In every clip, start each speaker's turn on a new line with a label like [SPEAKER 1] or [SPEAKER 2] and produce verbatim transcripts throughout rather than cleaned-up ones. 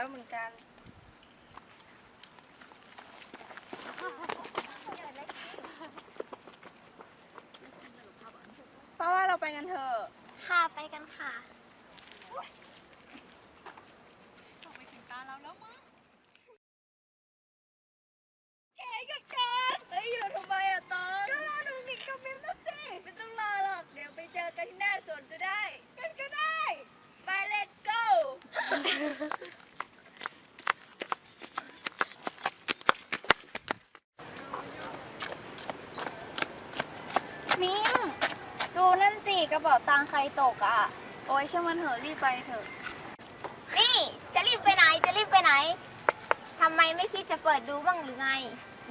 [SPEAKER 1] เหมือนกันเพราะว่าเราไปกันเถอะ
[SPEAKER 2] ค่ะไปกันค่ะ
[SPEAKER 1] ส่งไปถึงตาเราแล้วมั้งแกกับกันเฮ้ยอยู่ทำไมอะตอนก็รอดูมิกกับมิมนะสิไม่ต้องรอหรอกเดี๋ยวไปเจอกันที่หน้าสวนก็ได้กันก็ได้ไป let's go
[SPEAKER 2] มิมดูนั่นสิกระเป๋าตังค์ใครตกอ่ะ
[SPEAKER 1] โอ้ยช่างมันเถอะรีบไปเถอะ
[SPEAKER 2] นี่จะรีบไปไหนจะรีบไปไหนทำไมไม่คิดจะเปิดดูบ้างหรือไง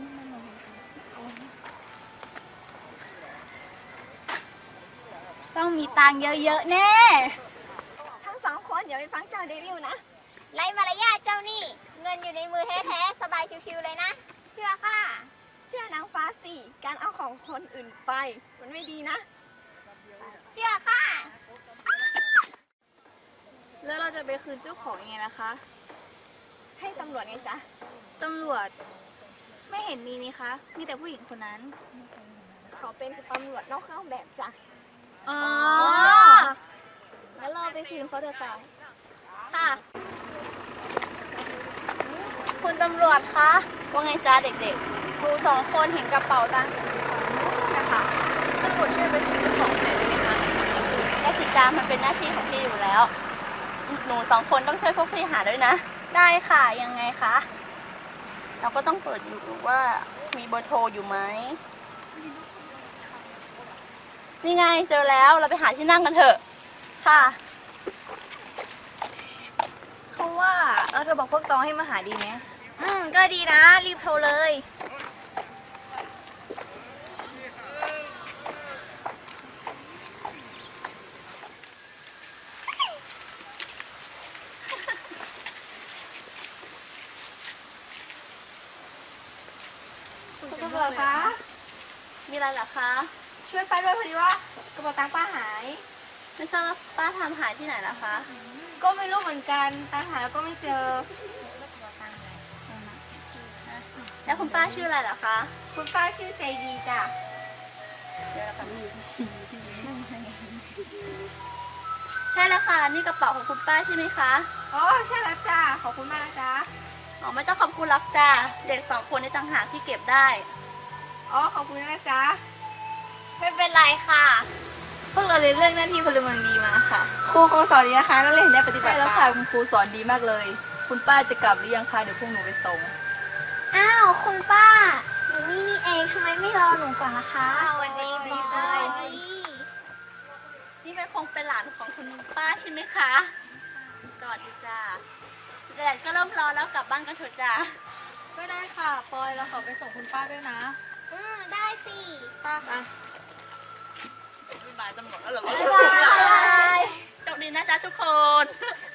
[SPEAKER 2] ต้องมีตังค์เยอะๆแน่
[SPEAKER 1] ทั้งสองคนอย่าไปฟังเจ้าเดวิลนะ
[SPEAKER 2] ไร้มารยาทเจ้านี่เงินอยู่ในมือแท้ๆสบายชิวๆเลยนะเชื่อค่ะ
[SPEAKER 1] เชื่อนางฟ้าสิการเอาของคนอื่นไปมันไม่ดีนะ
[SPEAKER 2] เชื่อค่ะ
[SPEAKER 1] แล้วเราจะไปคืนเจ้าของยังไงนะคะ ให้ตำรวจไงจ๊ะตำรวจไม่เห็นมีนี่คะมีแต่ผู้หญิงคนนั้นเขาเป็นตำรวจนอกเครื่องแบบจ้ะ
[SPEAKER 2] อ๋อ
[SPEAKER 1] แล้วเราไปคืนเขาเถอะค่ะ
[SPEAKER 2] ค่ะคุณตำรวจคะว่าไงจ้าเด็กๆครูสองคนเห็นกระเป๋าตังค์นะคะ
[SPEAKER 1] ตำรวจช่วยไปคืนเจ้าของหน่อยได้ไหมคะ
[SPEAKER 2] ได้สิจ้ามันเป็นหน้าที่ของพี่อยู่แล้วหนูสองคนต้องช่วยพวกพี่หาด้วยนะได้ค่ะยังไงคะเราก็ต้องเปิดดูว่ามีเบอร์โทรอยู่ไหมนี่ไงเจอแล้วเราไปหาที่นั่งกันเถอะค่ะ
[SPEAKER 1] เขาว่าเออเธอบอกพวกตองให้มาหาดีไหม
[SPEAKER 2] อืมก็ดีนะรีบโทรเลย
[SPEAKER 1] คุณตำรวจคะ
[SPEAKER 2] มีอะไรเหรอคะ
[SPEAKER 1] ช่วยไปด้วยพอดีว่ากระเป๋าตังค์ป้าหาย
[SPEAKER 2] ไม่ทราบว่าป้าทำหายที่ไหนล่ะคะ
[SPEAKER 1] ก็ไม่รู้เหมือนกันตังค์หายแล้วก็ไม่เจอ
[SPEAKER 2] แล้วคุณป้าชื่ออะไรเหรอคะ
[SPEAKER 1] คุณป้าชื่อใจดีจ้ะ
[SPEAKER 2] ใช่แล้วค่ะนี่กระเป๋าของคุณป้าใช่ไหมคะ
[SPEAKER 1] อ๋อใช่แล้วจ้าขอบคุณมากนะจ๊ะ
[SPEAKER 2] อ๋อไม่ต้องขอบคุณหรอกจ้าเด็กสองคนในต่างหากที่เก็บได้
[SPEAKER 1] อ๋อขอบคุณนะจ๊ะ
[SPEAKER 2] ไม่เป็นไรค่ะ
[SPEAKER 1] พวกเราเรียนเรื่องหน้าที่พลเมืองดีมาค่ะครูคงสอนดีนะคะนักเรียนได้ปฏิบัติแล้วค่ะคุณครูสอนดีมากเลยคุณป้าจะกลับหรือยังคะเดี๋ยวพวกหนูไปส่ง
[SPEAKER 2] อ้าวคุณป้าอยู่นี่นี่เองทำไมไม่รอหนูก่อนล่ะคะ
[SPEAKER 1] สวัสดีบีบอย
[SPEAKER 2] นี่เป็นคงเป็นหลานของคุณป้าใช่ไหมคะสวัสดีจ้าแดดก็เริ่มร้อนแล้วกลับบ้านกันเถอะจ้า
[SPEAKER 1] ก็ได้ค่ะปอยเราขอไปส่งคุณป้าด้วยนะ
[SPEAKER 2] อืมได้สิ
[SPEAKER 1] ป้าค่ะ
[SPEAKER 2] บ๊ายบายตำรวจแล้วเหรอบ๊ายบายโชคดีนะจ๊ะทุกคน